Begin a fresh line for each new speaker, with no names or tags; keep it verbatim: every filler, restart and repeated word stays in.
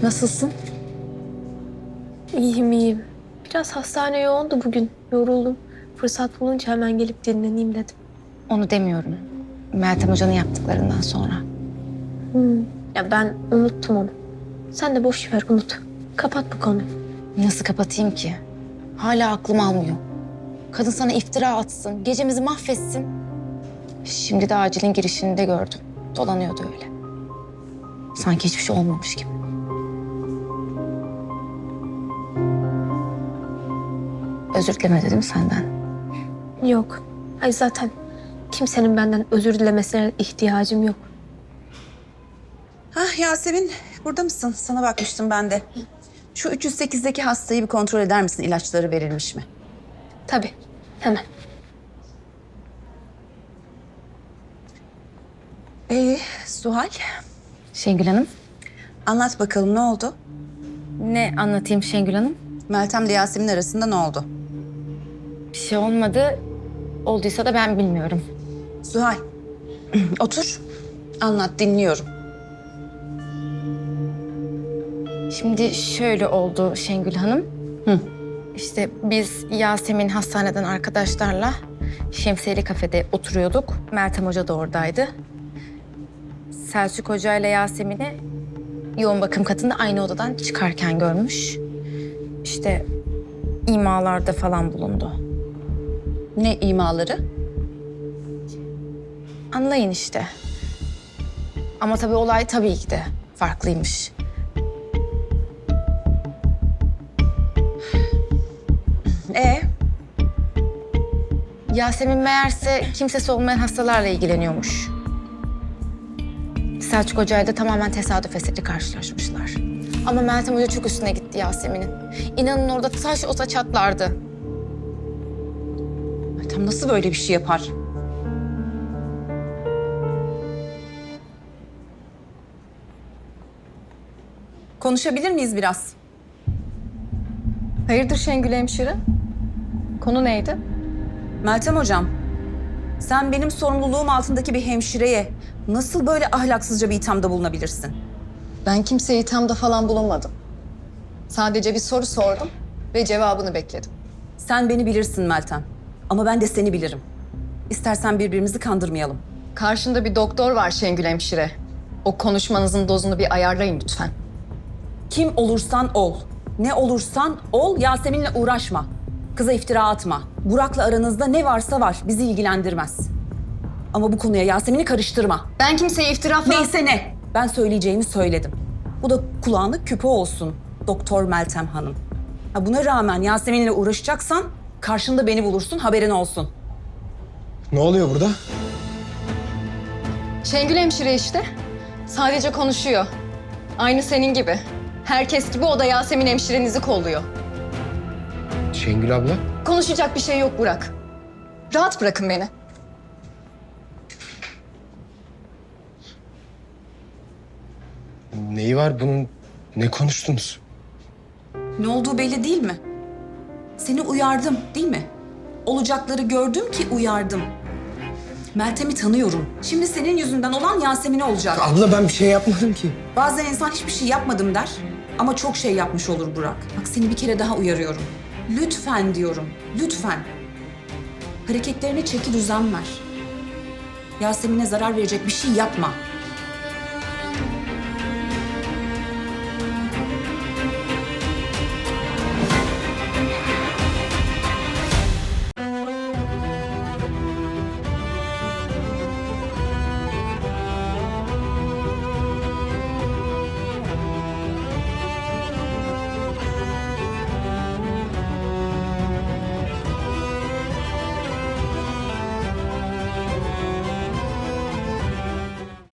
Nasılsın?
İyiyim iyiyim. Biraz hastane yoğundu bugün. Yoruldum. Fırsat bulunca hemen gelip dinleneyim dedim.
Onu demiyorum. Meltem Hoca'nın yaptıklarından sonra.
Hmm. Ya ben unuttum onu. Sen de boş ver unut. Kapat bu konuyu.
Nasıl kapatayım ki? Hala aklım almıyor. Kadın sana iftira atsın, gecemizi mahvetsin. Şimdi de acilin girişinde gördüm. Dolanıyordu öyle. Sanki hiçbir şey olmamış gibi. Özür dilemedi değil mi senden?
Yok. Ay zaten kimsenin benden özür dilemesine ihtiyacım yok.
Hah Yasemin, burada mısın? Sana bakmıştım ben de. Şu üç yüz sekizdeki hastayı bir kontrol eder misin? İlaçları verilmiş mi?
Tabii. Hemen.
Ee, Suhal,
Şengül Hanım.
anlat bakalım ne oldu?
Ne anlatayım Şengül Hanım?
Meltem ile Yasemin arasında ne oldu?
Bir şey olmadı. Olduysa da ben bilmiyorum.
Suhal, otur. Anlat, dinliyorum.
Şimdi şöyle oldu Şengül Hanım.
Hı.
İşte biz Yasemin hastaneden arkadaşlarla Şemsiyeli kafede oturuyorduk. Meltem Hoca da oradaydı. Selçuk Hoca ile Yasemin'i yoğun bakım katında aynı odadan çıkarken görmüş. İşte imalarda falan bulundu.
Ne imaları?
Anlayın işte. Ama tabii olay tabii ki de farklıymış.
Ee,
Yasemin meğerse kimsesi olmayan hastalarla ilgileniyormuş. Selçuk Hoca'yla da tamamen tesadüf eseri karşılaşmışlar. Ama Meltem Hoca çok üstüne gitti Yasemin'in. İnanın orada taş olsa çatlardı.
Meltem nasıl böyle bir şey yapar? Konuşabilir miyiz biraz?
Hayırdır Şengül hemşire? Konu neydi?
Meltem hocam, sen benim sorumluluğum altındaki bir hemşireye nasıl böyle ahlaksızca bir ithamda bulunabilirsin?
Ben kimseye ithamda falan bulunmadım. Sadece bir soru sordum ve cevabını bekledim.
Sen beni bilirsin Meltem. Ama ben de seni bilirim. İstersen birbirimizi kandırmayalım.
Karşında bir doktor var Şengül hemşire. O konuşmanızın dozunu bir ayarlayın lütfen.
Kim olursan ol, ne olursan ol, Yasemin'le uğraşma. Kıza iftira atma. Burak'la aranızda ne varsa var, bizi ilgilendirmez. Ama bu konuya Yasemin'i karıştırma.
Ben kimseye iftira falan...
Neyse ne, ben söyleyeceğimi söyledim. Bu da kulağına küpe olsun, Doktor Meltem Hanım. Ha, buna rağmen Yasemin'le uğraşacaksan karşında beni bulursun, haberin olsun.
Ne oluyor burada?
Şengül hemşire işte. Sadece konuşuyor. Aynı senin gibi. Herkes gibi o da Yasemin hemşirenizi kolluyor.
Şengül abla.
Konuşacak bir şey yok Burak. Rahat bırakın beni.
Neyi var bunun? Ne konuştunuz?
Ne olduğu belli değil mi? Seni uyardım, değil mi? Olacakları gördüm ki uyardım. Meltem'i tanıyorum. Şimdi senin yüzünden olan Yasemin'e olacak.
Abla ben bir şey yapmadım ki.
Bazen insan hiçbir şey yapmadım der ama çok şey yapmış olur Burak. Bak seni bir kere daha uyarıyorum. Lütfen diyorum, lütfen. Hareketlerine çeki düzen ver. Yasemin'e zarar verecek bir şey yapma.